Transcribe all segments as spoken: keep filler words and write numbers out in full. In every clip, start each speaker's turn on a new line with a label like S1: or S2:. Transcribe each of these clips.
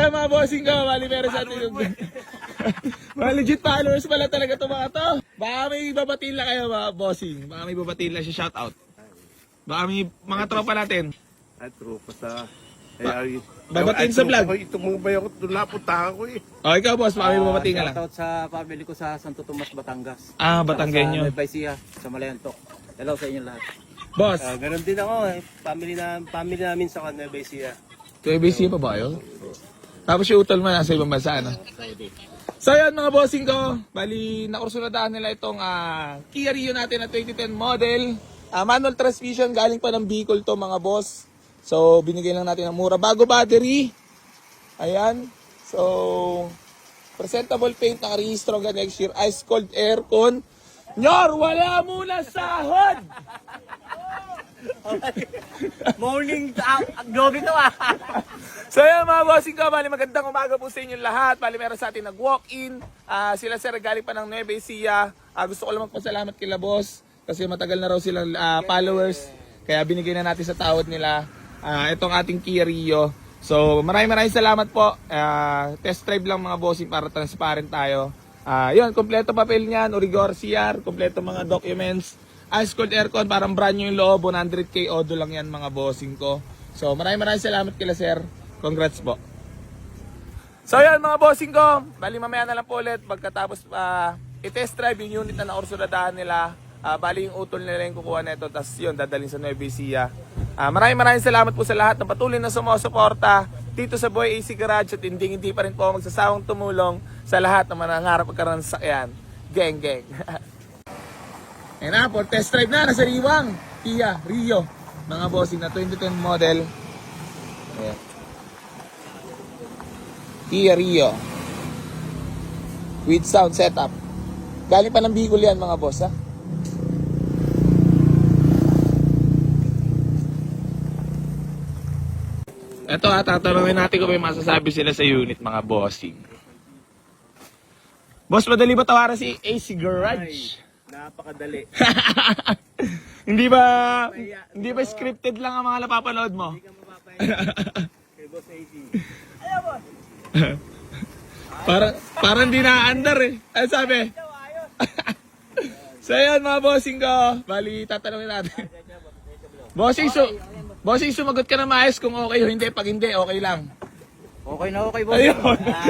S1: Kaya mga bossing ko, bali meron sa atin yung... mga legit followers pala talaga ito mga to. Baka may babatiin lang kayo mga bossing. Baka may babatiin lang siya, shoutout. Baka may mga tropa natin.
S2: Ay, tropa sa... Ay, ay,
S1: babatiin sa vlog.
S2: Ay, itong mga bayo ko, doon napuntahan ko eh.
S1: O, ikaw boss, baka may babatiin ka lang.
S3: Shoutout sa family ko sa Santo Tomas, Batangas.
S1: Ah, Batanggenyo.
S3: Sa Nueva Ecija, sa Malayantok. Hello sa inyo lahat.
S1: Boss,
S2: Ah, ganun din ako eh. Family, na, family namin sa Nueva Ecija.
S1: to A B C pa ba yun? Tapos yung utol mo nasa ibang bansa, ano? So yun mga bossing ko, bali nakursunadahan nila itong uh, Kia Rio natin na twenty ten model. Uh, manual transmission, galing pa ng Bicol to mga boss. So binigay lang natin ng mura. Bago battery. Ayan. So presentable paint, nakarehistro hanggang next year. Ice cold aircon. Nyor, wala muna sahod!
S3: Morning, globe ito ah.
S1: So yan mga bossing ko, bali magandang umaga po sa inyo lahat. Bali meron sa atin nag-walk-in. Uh, sila sir galing pa ng Nueva Ecija. Uh, gusto ko lang magpasalamat kila boss kasi matagal na raw silang uh, followers. Kaya binigay na natin sa tawad nila uh, itong ating Kia Rio. So maraming maraming salamat po. Uh, test drive lang mga bossing para transparent tayo. Uh, yun, kompleto papel niyan, Origor C R, kompleto mga documents. Ice cold aircon, parang brand new yung loob, one hundred K odo lang yan mga bossing ko. So maraming maraming salamat kila sir. Congrats po. So yan mga bossing ko, bali mamaya na lang po ulit pagkatapos uh, i-test drive yung unit na naursuladahan nila. Uh, bali yung utol nila yung kukuha nito, tapos yun dadalhin sa Nueva Ecija. Uh, maraming maraming salamat po sa lahat ng patuloy na sumusuporta dito sa Boy A C Garage at hindi hindi pa rin po magsasawang tumulong sa lahat ng manangarap magkaroon ng sakyan. Geng geng. Ayan na, for test drive na, nasa Riwang, Kia Rio, mga bossing na twenty ten model. Ayan. Kia Rio with sound setup. Galing pa ng Bicol yan mga boss ha. Ito ha, tatanungin natin kung may masasabi sila sa unit mga bossing. Boss, madali ba tawaran si A C Garage?
S2: Napakadali.
S1: Hindi ba hindi ba scripted lang ang mga napapanood mo?
S2: Hindi ka mapapahinga kay Boss A C. Ayaw boss!
S1: Para, parang di na-under eh. Ano sabi? So yan mga bossing ko. Bali, tatanungin natin. Bossing, su bossing, sumagot ka na maayos kung okay o hindi. Pag hindi, okay lang.
S3: Okay na okay, boss.
S1: Ayun.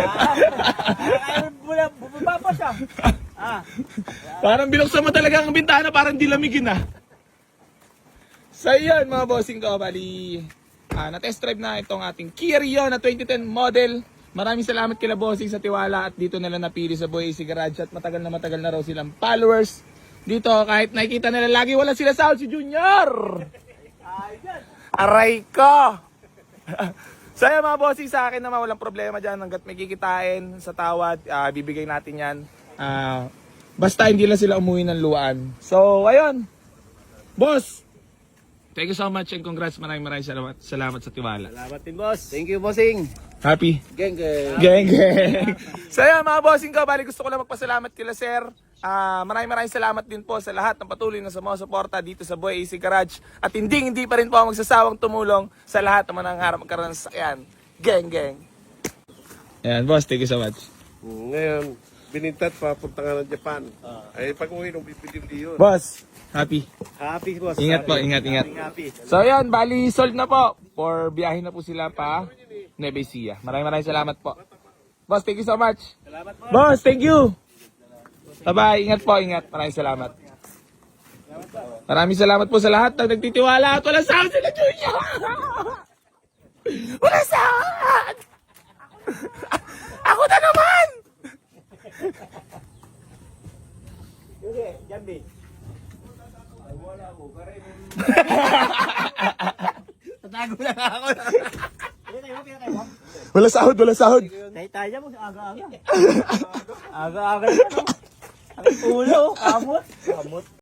S3: Ah, bumaba pa siya. Ah.
S1: Parang binuksan mo talaga ang bintana, parang di lamigin na. So yan mga bossing ko. Bali, ah, na-test drive na itong ating Kia Rio na twenty ten model. Maraming salamat kila bossing sa tiwala at dito nila napili sa Boy A C Garage at matagal na matagal na raw silang followers. Dito kahit nakikita nila lagi wala sila sahod si Junior. Aray ko. So yan mga bossing, sa akin naman walang problema dyan hanggat may kikitain sa tawad, uh, bibigay natin yan. Uh, basta hindi lang sila umuwi ng luwaan. So ayun. Boss, thank you so much and congrats, maraming maraming salamat, salamat sa tiwala.
S2: Salamat din boss.
S3: Thank you, bossing.
S1: Happy?
S3: Geng geng.
S1: Geng, geng. So yan mga bossing ko, bali gusto ko lang magpasalamat kila sir. Uh, maraming maraming salamat din po sa lahat ng patuloy na sumusuporta dito sa Boy A C Garage. At hindi hindi pa rin po magsasawang tumulong sa lahat ng manangarap magkaroon ng sasakyan. Geng, geng. Ayan boss, thank you so much.
S2: Ngayon, binintat papunta nga ng Japan. Ay pag uwi nung bibili yun.
S1: Boss, happy.
S2: Happy boss.
S1: Ingat po,
S2: Happy.
S1: ingat, ingat.
S2: Happy.
S1: So yan, bali sold na po. For biyahin na po sila pa Nueva Ecija. Maraming maraming salamat po. Boss, thank you so much.
S2: Salamat po.
S1: Boss, thank you. Bye-bye. Ingat po, ingat. Maraming salamat. Maraming salamat po sa lahat ng nagtitiwala at walang sahod sila, Junior! Walang sahod! Ako na naman!
S3: Sige, Jambi. Ay, wala mo. Karin. Tatago lang ako.
S1: Wala sahod, wala sahod.
S3: Tayo tayo mo, aga-aga. Aga-aga. Ang ulo, kamot. Kamot.